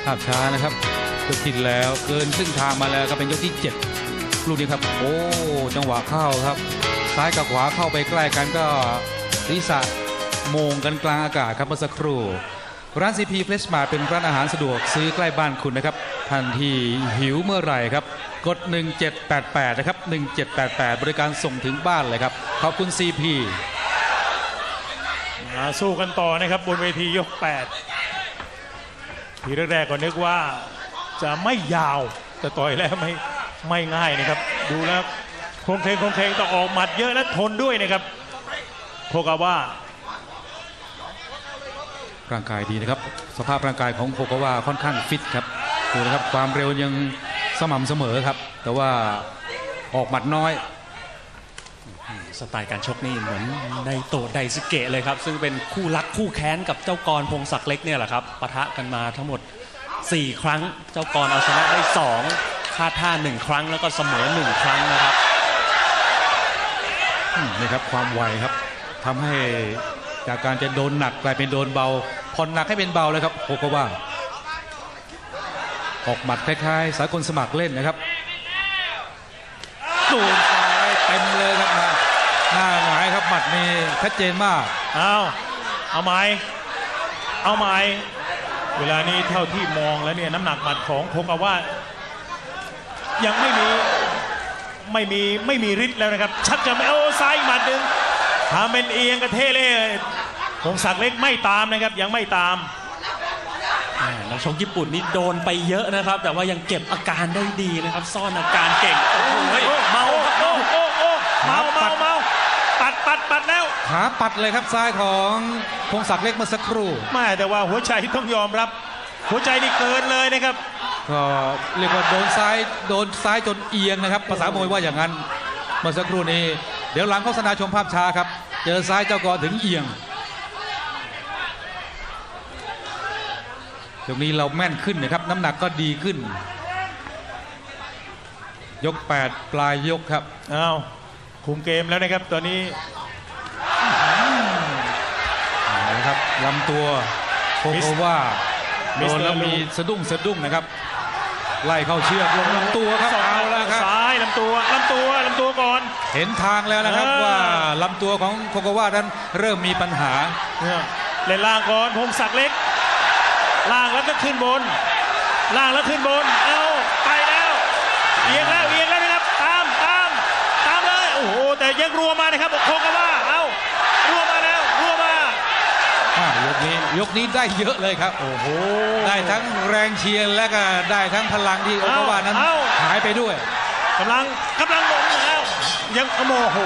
ภาพช้านะครับยกที่แล้วเกินครึ่งทางมาแล้วก็เป็นยกที่7ลูกนี้ครับโอ้จังหวะเข้าครับซ้ายกับขวาเข้าไปใกล้กันก็ศีรษะโมงกันกลางอากาศครับเมื่อสักครู่ร้าน CP Fresh Mart เป็นร้านอาหารสะดวกซื้อใกล้บ้านคุณนะครับทันทีหิวเมื่อไหร่ครับกด1788นะครับ1788บริการส่งถึงบ้านเลยครับขอบคุณ CP สู้กันต่อนะครับบนเวทียก8ทีแรกๆก็นึกว่าจะไม่ยาวแต่ต่อยแล้วไม่ง่ายนะครับดูแล้วโครงเคงต้องออกหมัดเยอะและทนด้วยนะครับโคกาวะร่างกายดีนะครับสภาพร่างกายของโคกาวะค่อนข้างฟิตครับดูนะครับความเร็วยังสม่ำเสมอครับแต่ว่าออกหมัดน้อยสไตล์การชกนี่เหมือนไดโตะไดซึเกะเลยครับซึ่งเป็นคู่รักคู่แค้นกับเจ้ากรพงศักดิ์เล็กเนี่ยแหละครับปะทะกันมาทั้งหมด4 ครั้งเจ้ากรเอาชนะได้2คาดท่า1 ครั้งแล้วก็เสมอ1 ครั้งนะครับนี่ครับความไวครับทำให้จากการจะโดนหนักกลายเป็นโดนเบาผ่อนหนักให้เป็นเบาเลยครับโคกาวะออกหมัดคล้ายๆสากลสมัครเล่นนะครับโดนซ้ายเต็มเลยครับหน้าหงายครับหมัดนี่ชัดเจนมากเอาไหมเวลานี้เท่าที่มองแล้วเนี่ยน้ำหนักหมัดของโคกาวะยังไม่มีฤทธิ์แล้วนะครับชักจะไม่ซ้ายหมัดหนึ่งทำเป็นเอียงกระเทเล่พงศักดิ์เล็กไม่ตามนะครับยังไม่ตามนักชกญี่ปุ่นนี่โดนไปเยอะนะครับแต่ว่ายังเก็บอาการได้ดีนะครับซ่อนอาการเก่งเมาปัดแล้วขาปัดเลยครับซ้ายของพงศักดิ์เล็กเมื่อสักครู่ไม่แต่ว่าหัวใจต้องยอมรับหัวใจนี่เกินเลยนะครับก็เรียกว่าโดนซ้ายจนเอียงนะครับภาษามวยว่าอย่างนั้นเมื่อสักครู่นี้เดี๋ยวหลังโฆษณาชมภาพช้าครับเจอซ้ายเจ้ากรถึงเอียงตรงนี้เราแม่นขึ้นนะครับน้ำหนักก็ดีขึ้นยก8ปลายยกครับคุมเกมแล้วนะครับตอนนี้นะครับลำตัวโคกาวะโดนแล้วมีสะดุ้งนะครับไล่เข้าเชือกลงลำตัวครับเอาแล้วครับซ้ายลำตัวก่อนเห็นทางแล้วนะครับว่าลำตัวของโคกาวะนั้นเริ่มมีปัญหาเล่นล่างก่อนพงศักดิ์เล็กล่างแล้วก็ขึ้นบนไปแล้วเอียงแล้วนะครับตามเลยโอ้โหแต่ยังรัวมานะครับโคกาวะรัวมายกนี้ได้เยอะเลยครับโอ้โหได้ทั้งแรงเชียร์และก็ได้ทั้งพลังที่โคกาวะนั้นหายไปด้วยกำลังหมดแล้วยังโมโห